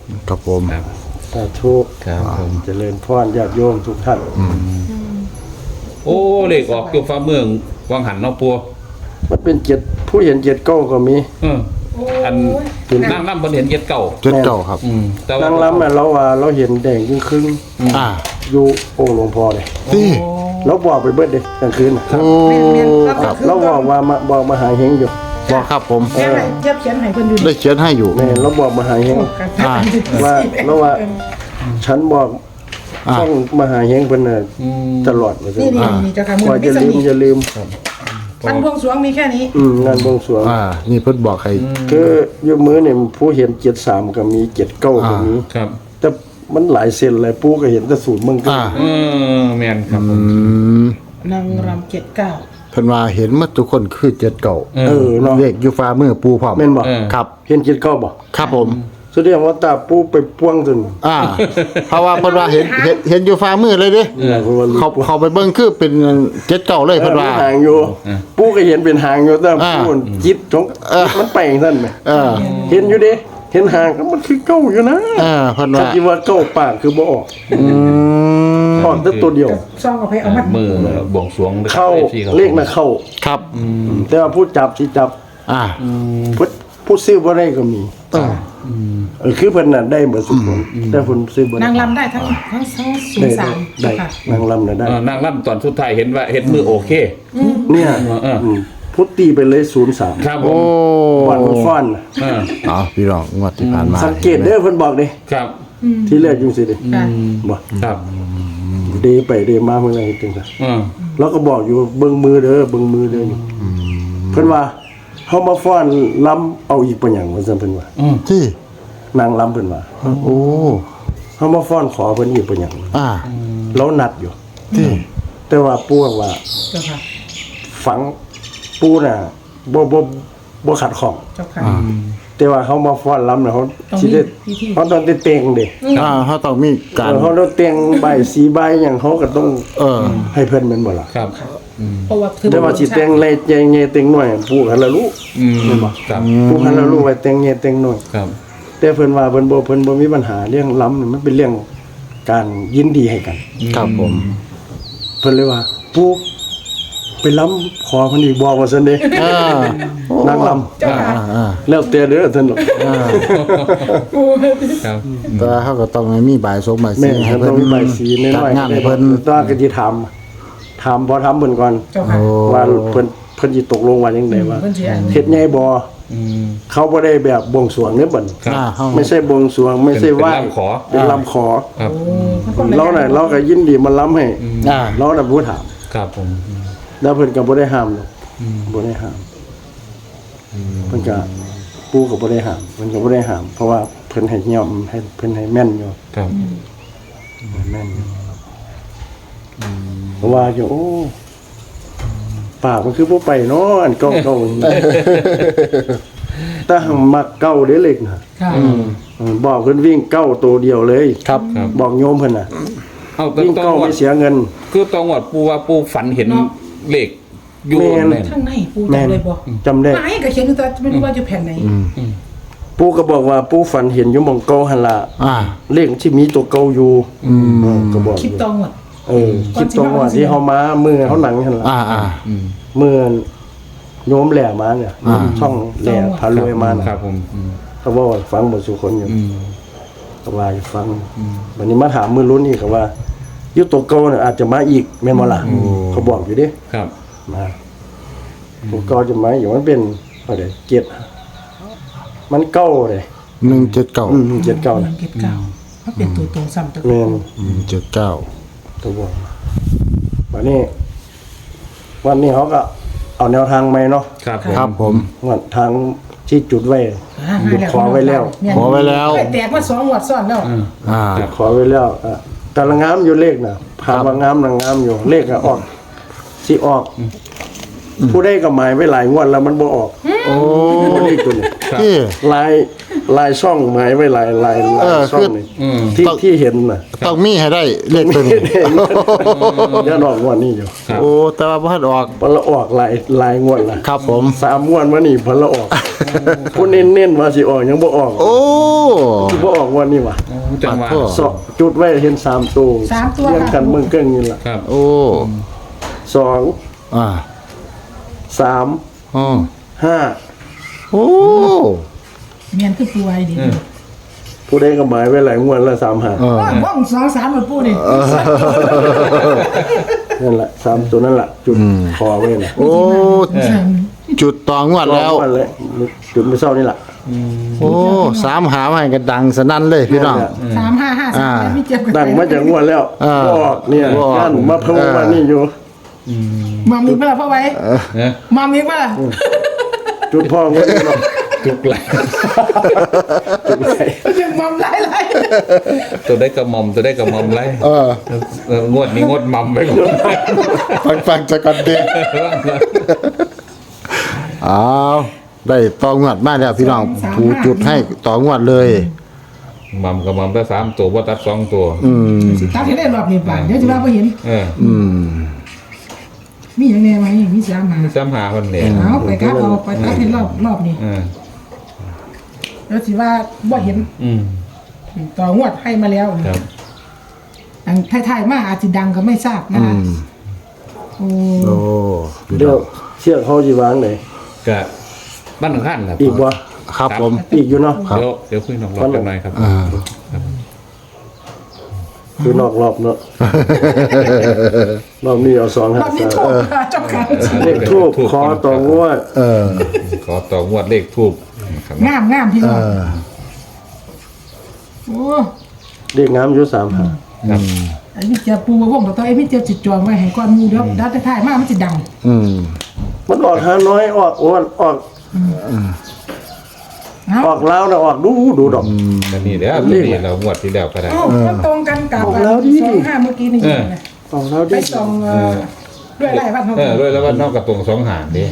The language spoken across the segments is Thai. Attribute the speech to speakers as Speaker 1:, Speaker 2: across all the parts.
Speaker 1: ครับผม
Speaker 2: ครับ
Speaker 3: สาธุ
Speaker 2: ครับผม
Speaker 3: เจริญพรญาติโยมทุกท่าน
Speaker 2: โอ้เลขออกอยู่ฟ้าเมืองวังหันเนาะปัว
Speaker 3: มันเป็นเจ็ดผู้เห็นเจ็ดเก้าก็มี
Speaker 2: อันนั่งล่ำเพิ่นเห็นเจ็ดเก่า
Speaker 1: เจ็ดเก้าครับ
Speaker 2: แต่ว่าน
Speaker 3: างรำเราว่าเราเห็นแดงครึ่ง
Speaker 1: อ่า
Speaker 3: อยู่องค์หลวงพ่อเลย
Speaker 1: ที่
Speaker 3: เราบอกไปเบิดเด้กลางคืนน่ะ
Speaker 1: โอ้ครับ
Speaker 3: เราบอกว่าบอกมาหาเฮงอยู่
Speaker 1: บอกครับผม
Speaker 4: เทียบเขียนให้เพิ่นอยู่
Speaker 1: ได้เขียนให้อยู่
Speaker 3: แม่เราบอกมาหาเฮง
Speaker 1: อ่า
Speaker 3: ว่าเราว่า ฉันบอก
Speaker 1: อ่า
Speaker 3: ต้องมาหาเฮงเพิ่นน่ะตลอดว่าซั่
Speaker 4: นี่
Speaker 3: น
Speaker 4: นี่เจ้าค่ะมือ
Speaker 3: ว่า
Speaker 4: ไม่
Speaker 3: จะ
Speaker 4: ส
Speaker 3: ลืม
Speaker 4: นิท
Speaker 3: อย่าลืม
Speaker 4: มันบวงสรวงมีแค่นี้
Speaker 3: งานบวงสรวง
Speaker 1: อ่า นี่เพิ่นบอกใคร
Speaker 3: คืออยู่มือเนี่ยผู้เห็น73ก็มี79ก็มี
Speaker 2: ครับ
Speaker 3: แต่มันหลายเซนเลยปู่ก็เห็นแต่สูตรมึงก็
Speaker 1: อ่า
Speaker 2: แม่นครับผ
Speaker 1: อื
Speaker 2: ม
Speaker 1: ม
Speaker 4: นางรำ79
Speaker 1: เพิ่นว่าเห็นหมดทุกคนคือเจ็ดเก้า
Speaker 3: เออเนาะ
Speaker 1: เลขอยู่ฟ้ามือปูพร้อม
Speaker 3: แม่นบ่
Speaker 1: ครับ
Speaker 3: เห็น79บ่
Speaker 1: ครับผม
Speaker 3: แสดงว่าตาปู่ไปป้วงจน
Speaker 1: อ่า เพราะว่าเพิ่นว่าเห็นอยู่ฟ้ามือเลยเด้ เขาไปเบิ่งคือเป็นเจ็ดเก้าเลยเพิ่นว่า
Speaker 3: หางอยู่ปู่ก็เห็นเป็นหางอยู่แต่
Speaker 1: อ่า
Speaker 3: ปู่จิตของ
Speaker 1: เออ
Speaker 3: มันไปอย่างนั้นแหม
Speaker 1: เออ
Speaker 3: เห็นอยู่เด้เห็นหางก็มันคือเก้าอยู่นะ
Speaker 1: เออเพิ่น
Speaker 3: ถ้า
Speaker 1: ว่า
Speaker 3: คิดว่าเก้าปากคือบ่ออก
Speaker 1: อืม
Speaker 3: ออกแต่ตัวเดียว
Speaker 4: ซองกับไปเอามัด
Speaker 2: มือบวงสรวง
Speaker 3: เข้าเลขน่ะเข้า
Speaker 1: ครับ
Speaker 3: แต่ว่าผู้จับที่จับ
Speaker 1: อ่า
Speaker 3: ผู้ซื้อบ่ได้ก็มีคือเพิ่นน่ะได้เบิดทุกคนแต่เพิ่นซื้อบ่ได้
Speaker 4: นางรำได้ทั้งศูน
Speaker 3: ได้
Speaker 4: ย์สาม
Speaker 3: ได้
Speaker 4: ค่ะ
Speaker 3: นางลำน่ะได้
Speaker 2: นางล่ำตอนสุดท้ายเห็นว่าเห็นมือโอเค
Speaker 3: เนี่ย พุทตีไปเลย03
Speaker 2: ครับผ
Speaker 1: โอ้
Speaker 2: ม
Speaker 3: วันมันฟ้อนน่ะ
Speaker 1: เอาพี่น้องงวดที่ผ่านมา
Speaker 3: สังเกตเด้อเพิ่นบอกเด้
Speaker 2: ครับ
Speaker 3: ที่แรกจังซี่เด้
Speaker 4: ค่ะ
Speaker 3: บ่
Speaker 2: ครับ
Speaker 3: เดไปเดมาเพิ่นอะไรจังซี่
Speaker 2: อืม
Speaker 3: แล้วก็บอกอยู่เบิ่งมือเด้อเบิ่งมือเด้ออยู่เพิ่นว่าเฮามาฟ้อนลำเอาอีกปะหยังว่าซั่นเพิ่นว่า
Speaker 1: ที่
Speaker 3: นางลำเพิ่นว่า
Speaker 1: โอ้
Speaker 3: เฮามาฟ้อนขอเพิ่นอีกปะหยัง
Speaker 1: อ่า
Speaker 3: เรานัดอยู่
Speaker 1: ที่
Speaker 3: แต่ว่าปู่ว่า
Speaker 4: เจ้าค่ะ
Speaker 3: ฝังปู่น่ะบ่ขัดข้อง
Speaker 4: เจ้าค่ะ
Speaker 3: แต่ว่าเขามาฟ้อนลำน่ะเขาสิได้
Speaker 4: ต้องมีพิธี
Speaker 3: เขาต้องได้เต็งเด้
Speaker 1: อ่าเขาต้องมีการ
Speaker 3: เขาต้องเต็งใบสีใบหยังเขาก็ต้อง
Speaker 1: เออ
Speaker 3: ให้เพิ่นแม่นบ่ล่ะ
Speaker 2: ครับ
Speaker 4: เพราะว่าคือ
Speaker 3: แต่ว่าสิเต็งเล็กใหญ่ๆเต็งน้อยปู่หันละรู้
Speaker 2: ครับ
Speaker 3: ปู่หันละรู้ไว้เต็งใหญ่เต็งน้อย
Speaker 2: ครับ
Speaker 3: แต่เพิ่นว่าเพิ่นบ่มีปัญหาเรื่องลำนี่มันเป็นเรื่องการยินดีให้กัน
Speaker 1: ครับผม
Speaker 3: เพิ่นเลยว่าปู่ไปลำขอเพิ่นอีกบอกว่าซั่นเด้
Speaker 1: อ่าน
Speaker 3: างลำ
Speaker 4: เจ้าค่ะ
Speaker 1: อ่า
Speaker 3: แล้วแต่เด้อท่านหรอก
Speaker 2: ครับ
Speaker 1: แต่เขาก็ต้องมีบ่ายสงบ่าย
Speaker 3: แม่
Speaker 1: สี่ให้
Speaker 3: เพิ่
Speaker 1: เพิ่
Speaker 3: น
Speaker 1: น
Speaker 3: มีใบสีน้
Speaker 1: จัด
Speaker 3: อย
Speaker 1: งานให้เพิ่น
Speaker 3: ตอนก็สิถามพอทำเพิ่นก่อน
Speaker 4: เจ้าค่ะ
Speaker 1: โอ้
Speaker 3: ว่าเพิ่นสิตกลงว่าจังไดว่า
Speaker 4: เพิ่นสิอัน
Speaker 3: เฮ็ดใหญ่บ่เขาบ่ได้แบบบวงสรวงเด้อบัด
Speaker 2: ครับ
Speaker 1: อ่าเขา
Speaker 3: ไม่ใช่บวงสรวงไม่ใช่ไหว้
Speaker 2: เป็นลำขอ
Speaker 3: เป็นลำขอ
Speaker 2: ครับ
Speaker 3: เราน่ะเราก็ยินดีมาล้ำให้
Speaker 1: อ่า
Speaker 3: เราน่ะบ่ถาม
Speaker 2: ครับผม
Speaker 3: แล้วเพิ่นก็บ่ได้ห้ามหรอกบ่ได้ห้ามเพิ่นก็ปู่ก็บ่ได้ห้ามเพิ่นก็บ่ได้ห้ามเพราะว่าเพิ่นให้ยอมให้เพิ่นให้แม่นอยู่
Speaker 2: ครับ
Speaker 3: แม่นอยู่เพราะว่าอยู่โอ้ปากมันคือบ่ไปเนาะอันเก่าๆแต่หังมักเก่าเด้เล็กน่ะ
Speaker 4: ค่ะ
Speaker 3: บอกเพิ่นวิ่งเก้าตัวเดียวเลย
Speaker 1: ครับ
Speaker 2: ครับ
Speaker 3: บอกโยมเพิ่นน่ะ
Speaker 2: เอาต
Speaker 3: วิ่ง
Speaker 2: อง
Speaker 3: เก้า
Speaker 2: หม
Speaker 3: ไม่
Speaker 2: ด
Speaker 3: เสียเงิน
Speaker 2: คือตองหมดปูว่าปูฝันเห็นเลขอยู่
Speaker 3: แม่น
Speaker 2: ใน
Speaker 4: ข้างในปูจำเลยบ่
Speaker 3: จำได้
Speaker 4: ไหนก็เขียนอยู่แต่ไม่รู้ว่าอยู่แผ่นไหน
Speaker 3: ปู่ก็บอกว่าปู่ฝันเห็นอยู่หม่องเก่าหั่นล่ะ
Speaker 1: อ่า
Speaker 3: เลขที่มีตัวเก่าอยู่ก็บอก
Speaker 4: คลิปตองหมด
Speaker 3: คิดตรงว่าที่เฮามามือเฮาหนังหั่นล่ะ
Speaker 1: อ่าอ่า
Speaker 3: มือโยมแหล่มาเนี่ยช่องแหล่พารวยมาน่ะ
Speaker 2: ครับผม
Speaker 3: เขาบอกว่าฟังบ่สุคนอยู่เขาว่าให้ฟังวันนี้มาถามมือรุ่นอีกเขาว่าอยู่ตัวเก่าน่ะอาจจะมาอีกแม่นบ่ล่ะเขาบอกอยู่เด้
Speaker 2: ครับ
Speaker 3: มาตัวเก่าจะมาอยู่มันเป็นอะไรเจ็ดมันเก้าเลย
Speaker 1: 179
Speaker 3: เจ็ดเก้า
Speaker 4: หนึ่
Speaker 3: นะ
Speaker 4: งเก็บเก่าเขาเป็นตัวตรงซ้ำตัว
Speaker 3: แม่น
Speaker 1: 179
Speaker 3: ตัวบอกวันนี้เขาก็เอาแนวทางใหม่เนาะ
Speaker 2: ครับผม
Speaker 1: ครับผม
Speaker 3: วันทางที่จุดไว้ ขอไว้แล้ว
Speaker 1: ขอไว้แล้ว
Speaker 4: แตกมา2งวดซ้อนแล้ว
Speaker 1: อ่า
Speaker 3: ขอไว้แล้วกำลังงามอยู่เลขนะพาว่างามนางงามอยู่เลขอะออกที่ออก ผู้ได้ก็หมายไว้หลายงวดแล้วมันบ่ออก
Speaker 1: โอ้
Speaker 3: เลขตัวนี้
Speaker 1: ที่
Speaker 3: ลายลายช่องหมายไว้ลายช่องนี่ที่เห็นน่ะ
Speaker 1: ต้องมีให้ได้เลขตัวนี้
Speaker 3: ยันออกงวดนี้อยู่
Speaker 1: โอ้แต่ว่าบ่ทันออก
Speaker 3: พอละออกลายงวดล่ะ
Speaker 1: ครับผม
Speaker 3: 3งวดมานี่พอละออกผู้เน้นๆว่าสิออกยังบ่ออก
Speaker 1: โอ้
Speaker 3: สิบ่ออกงวดนี้ว่ะ
Speaker 2: จังหวะ
Speaker 1: ปะโถ่
Speaker 3: สองจุดไว้เห็น3ตัว
Speaker 4: สามตัว
Speaker 3: เรียงกันเมืองเกิ้งนี่ล่ะ
Speaker 2: ครับ
Speaker 1: โอ้
Speaker 3: 2
Speaker 1: อ่า
Speaker 3: 3
Speaker 1: อ๋อ
Speaker 3: 5
Speaker 1: โอ้
Speaker 4: เมียนคือปูไว้ดิ
Speaker 3: ผู้ใดก็หมายไว้หลายงวดละ3 5
Speaker 1: เออ
Speaker 4: ว่อง2 3มันปูดิ
Speaker 3: นั่นแหละ3ตัวนั่นแหละจุดคอไว้น่ะ
Speaker 1: โอ้จุดต่องวดแล้ว
Speaker 3: วันเลยจุดมื้อเช้านี่ล่ะ
Speaker 1: โอ้สามหามาให้กันดังสนั่นเลยพี่น้อง
Speaker 4: 3 5 5 3ไม่เจ็บกัน
Speaker 3: ดังมาจากงวดแล้ว
Speaker 1: อ่า
Speaker 3: บ่ออกเนี่ย
Speaker 1: บ่ออก
Speaker 3: ย่านมาเพิ่มมานี่อยู่
Speaker 4: มามีเปล่าพ่อไว้
Speaker 2: นะ
Speaker 4: มามีเปล่า
Speaker 3: จุดพ่อก็นี่เนาะ
Speaker 2: จุกไหล
Speaker 3: จุดไหน
Speaker 4: ยังมัมหลาย
Speaker 2: ตัวได้กระหม่อมตัวได้กระหม่อมไร งวดนี้งดหม่อมไปก่อน
Speaker 1: ฟังจะกันเด็กอ้าวได้ต่องวดมาแล้วพี่น้องผูจุดให้ต่องวดเลย
Speaker 2: หม่อมกับหม่อมได้3ตัวว่าตัด2ตัว
Speaker 4: ๆตัดให้ได้รอบนี้ป่านเดี๋ยวจะว่าบ่เห็น มีอย่างแน่ไหมมี3 5
Speaker 2: ซ้ำหาคนเนี่ย
Speaker 4: เอาไปครับเอาไปตัดให้รอบนี้แล้วสิว่าบ่เห็นต่องวดให้มาแล้ว
Speaker 2: ครับ
Speaker 4: อันท้ายๆมาอาจจะดังก็ไม่ทราบนะคะโอ้
Speaker 1: โอ้
Speaker 3: เดี๋ยวเชือกเขาสิวางไหน
Speaker 2: กะบ้านหนึ่งขั้นครับ
Speaker 3: อีกบ่
Speaker 1: ครับผม
Speaker 3: อีกอยู่เนาะ
Speaker 2: เดี๋ยวคุยนอกรอบกันหน่อยครับ
Speaker 3: คือนอกรอบเนาะรอบนี้เอา2
Speaker 4: รอบนี้
Speaker 3: 5
Speaker 4: โทษค่ะเจ้าค่ะ
Speaker 3: 3เลขทูบคอต่องวด
Speaker 2: ขอต่องวดเลขทูบครับ
Speaker 4: งามพี่น้องโอ้
Speaker 3: เลขงามอยู่3 5
Speaker 2: ครับ
Speaker 4: ไอ้พี่เจ้าปูวงต่อไอ้พี่เจ้าจิตจองไว้ให้ก่อนมูเดี๋ยวดัดท้ายมามันจะดัง
Speaker 3: มันออกหาน้อยออกอ้วนออก
Speaker 4: เอา
Speaker 3: ออกแล้วนะออกดูดอก
Speaker 2: กันนี่เดี๋ยวนี่เรางวดที่แล้วก็ได้
Speaker 4: เอ้ามันตรงกันกับ
Speaker 3: บอกแล้วดิ
Speaker 4: 25เมื่อกี้นี่นะ
Speaker 3: ออกแล้ว
Speaker 4: ไป
Speaker 3: ดิ
Speaker 4: ส่องด้วยไรบ้างเขา
Speaker 2: ด้วยแล้วว่านอกกระตรง2หางดิ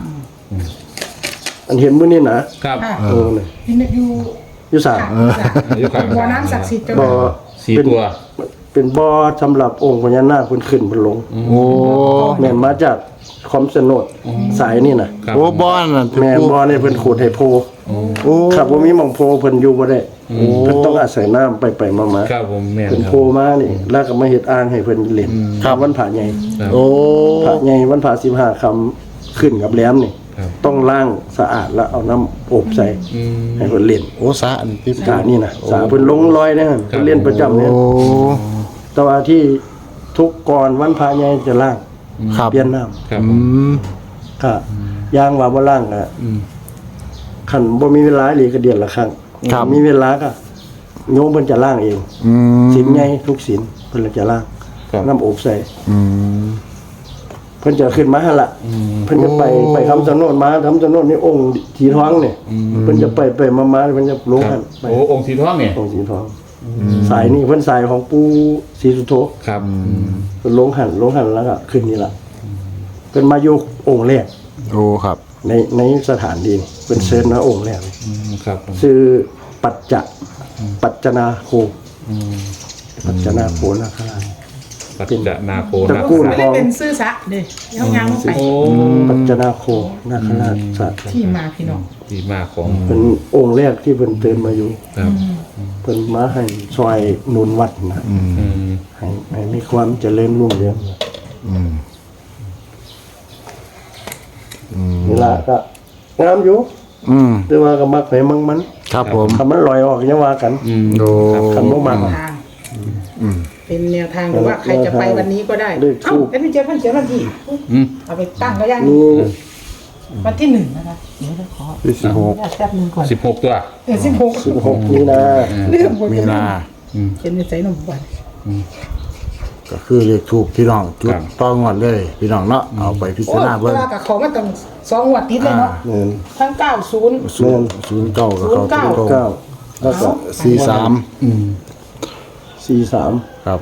Speaker 3: อันเห็นมื้อนี้นะครับ
Speaker 4: ค่ะ
Speaker 3: โอ้นี่
Speaker 4: อยู่
Speaker 3: อยู่3
Speaker 2: อยู่ข้าง
Speaker 4: บ่อน้ำศักดิ์สิทธิ์เจ้า
Speaker 3: บ่อ
Speaker 2: 4 ตัว
Speaker 3: เป็นบ่อสำหรับองค์พญานาคเพิ่นขึ้นเพิ่นลง
Speaker 1: โอ้
Speaker 3: แม่นมาจากคอมสนดสายนี่น่ะ
Speaker 2: ครับ
Speaker 1: โอ้บ้านน่ะ
Speaker 3: แม่นบ่อนี่เพิ่นขุดให้โพ
Speaker 1: โอ้
Speaker 3: ครับบ่มีหม่องโพเพิ่นอยู่บ่ได้เพิ่นต้องอาศัยน้ำไปๆมาๆ
Speaker 2: ครับผมแม่น
Speaker 3: เพิ่น
Speaker 2: ครั
Speaker 3: โพ
Speaker 2: บ
Speaker 3: มานี่แล้วก็มาเฮ็ดอ่างให้เพิ่นเล่นครับวันพระใหญ่
Speaker 2: ครับ
Speaker 1: โอ้
Speaker 3: พระใหญ่วันพระ15ค่ำขึ้นกับแหลมนี่
Speaker 2: ครับ
Speaker 3: ต้องล้างสะอาดแล้วเอาน้ำอบใส่ให้เพิ่นเล่น
Speaker 1: โอ้สาอันที่
Speaker 3: สานี่นะสาเพิ่นลงลอยนะเพิ่นเล่นประจำเนี่ย
Speaker 1: โอ้
Speaker 3: แต่ว่าที่ทุกก่อนวันพระใหญ่จะล้าง
Speaker 1: ครับ
Speaker 3: เปลี่ยนน้ำ
Speaker 2: ครับ
Speaker 3: ก็ย่างว่าบ่ล้างก็คันบ่มีเวลาหรือก็เดือนละครั้ง
Speaker 1: ครับ
Speaker 3: มีเวลาก็โยมเพิ่นจะล้างเองศีลใหญ่ทุกศีลเพิ่นจะล้าง
Speaker 1: ครับ
Speaker 3: น้ำอบใส่
Speaker 1: อืม
Speaker 3: เพิ่นจะขึ้นมาหั่นล่ะเพิ่นจะไปคำสนดมาคำสนดนี่องค์สีทองนี่เพิ่นจะไปมาเพิ่นจะลง
Speaker 2: ครั
Speaker 3: หั่
Speaker 2: บ
Speaker 3: นไป
Speaker 2: โอ้องค์สีทองเนี่ย
Speaker 3: องค์สีทองสายนี่เพิ่นสายของปู่ศรีสุโธ
Speaker 2: ครับ
Speaker 3: เพิ่นลงหั่นแล้วก็ขึ้นนี่ล่ะเพิ่นมาอยู่องค์แรก
Speaker 1: โอ้ครับ
Speaker 3: ในสถานที่นี่เป็นเชิญนะองค์แรกเลย
Speaker 2: ครับผม
Speaker 3: ชื่อปัจจนาโคปัจจนาโคนะครับ
Speaker 2: ปัจจนาโค
Speaker 3: ตระ
Speaker 2: นา
Speaker 3: กูล
Speaker 4: ไม่ได้เป็นซื่อสะเด้เอางามลงไป
Speaker 2: โอ้
Speaker 3: ปัจจนาโคนาคราชสัตว์
Speaker 4: ที่มาพี่น้อง
Speaker 2: ดีมากของ
Speaker 3: เป็นองค์แรกที่เพิ่นเตือนมาอยู่
Speaker 2: ครับ
Speaker 3: เพิ่นมาให้ช่วยหนุนวัดนะให้มีความเจริญรุ่งเรืองนี่ล่ะก็งามอยู่แต่ว่าก็มักให้มั่งมัน
Speaker 1: ครับผม
Speaker 3: ถ้ามันลอยออกอย่าว่ากัน
Speaker 1: โอ้
Speaker 3: คันบ่มัก
Speaker 4: ทางเป็นแนวทางหรือว่าใครจะไปวันนี้ก็ได้
Speaker 3: เลข
Speaker 4: เอ้า
Speaker 3: ทูป
Speaker 4: เอ็นพีเจเพิ่นเขียนวันที่เอาไปตั้งก็ยัง
Speaker 3: นี่
Speaker 4: วันที่1นะคะเดี๋ยวขอ
Speaker 1: ที่16
Speaker 4: แป๊บนึงก่อน
Speaker 2: 16 ตัว
Speaker 4: 16
Speaker 3: 16นี่นะ
Speaker 4: เรื่องหมด
Speaker 1: มีนา
Speaker 4: เขียนในใจนมวัน
Speaker 1: ก็คือเลขถูกพี่น้องจุดต้องงวดเลยพี่น้องเนาะเอาไปพิ
Speaker 4: โอ้
Speaker 1: จารณา
Speaker 4: เว
Speaker 1: เบิ่ง
Speaker 4: ลากับของมันต้อง2งวดติดเลยเนาะ
Speaker 3: เงิน
Speaker 4: ทั้ง90
Speaker 1: ศูนย์เก้ากับเขา
Speaker 4: 09
Speaker 1: ตรง
Speaker 3: 9แล้วก็ 43
Speaker 1: ครับ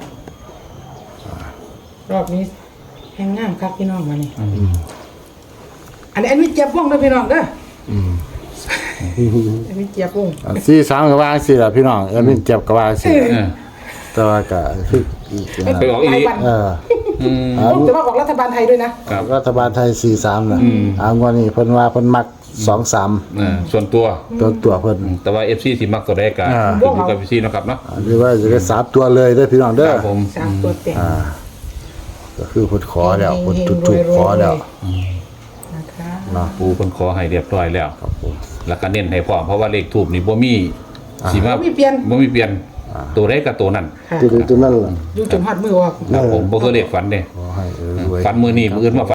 Speaker 4: รอบนี้แห้งงามครับพี่น้องมานี่อันนี้เจ็บว่องเลยพี่น้องเด้อมีเจี๊ยบวง
Speaker 1: 43ก็ว่าสิล่ะพี่น้องมินเจ็บก็ว่าสิ
Speaker 2: เออ
Speaker 1: แต่ว่าก็คือ
Speaker 2: ไปออกอีหลี
Speaker 1: เออ
Speaker 4: แต่ว่าออกรัฐบาลไทยด้วยนะครับ
Speaker 1: รัฐบาลไทย43น่ะงวดนี้เพิ่นว่าเพิ่นมัก23
Speaker 2: ส่วนตัว
Speaker 1: ตัวเพิ่น
Speaker 2: แต่ว่า FC สิมักตัวใดก็
Speaker 1: อ่า
Speaker 2: ขึ้นอยู่กับ FC เนาะครับเนาะ
Speaker 1: หรือว่าจะได้3ตัวเลยเด้อพี่น้อง
Speaker 2: ค
Speaker 1: เด้อ
Speaker 2: รับผม
Speaker 4: 3 ตัวเต็ม
Speaker 1: ก็คือเพิ่นขอแล้วเพิ่นจุดขอแล้ว
Speaker 4: นะคะ
Speaker 1: เนาะ
Speaker 2: ปูเพิ่นขอให้เรียบร้อยแล้ว
Speaker 1: ครับผม
Speaker 2: แล้วก็เน้นให้พร้อมเพราะว่าเลขทูปนี่บ่มีสิมา
Speaker 4: บ่มีเปลี่ยน
Speaker 2: บ่มีเปลี่ยนตัวใดก็ตัวนั้น
Speaker 4: ค่ะ
Speaker 3: ตัวนั้นล่ะ
Speaker 4: อยู่จนฮอดมือออก
Speaker 2: ครับผมบ่คือเลขฝันเด้
Speaker 1: ขอให้รวย
Speaker 2: ฝันมื้อนี้มื้ออื่นมา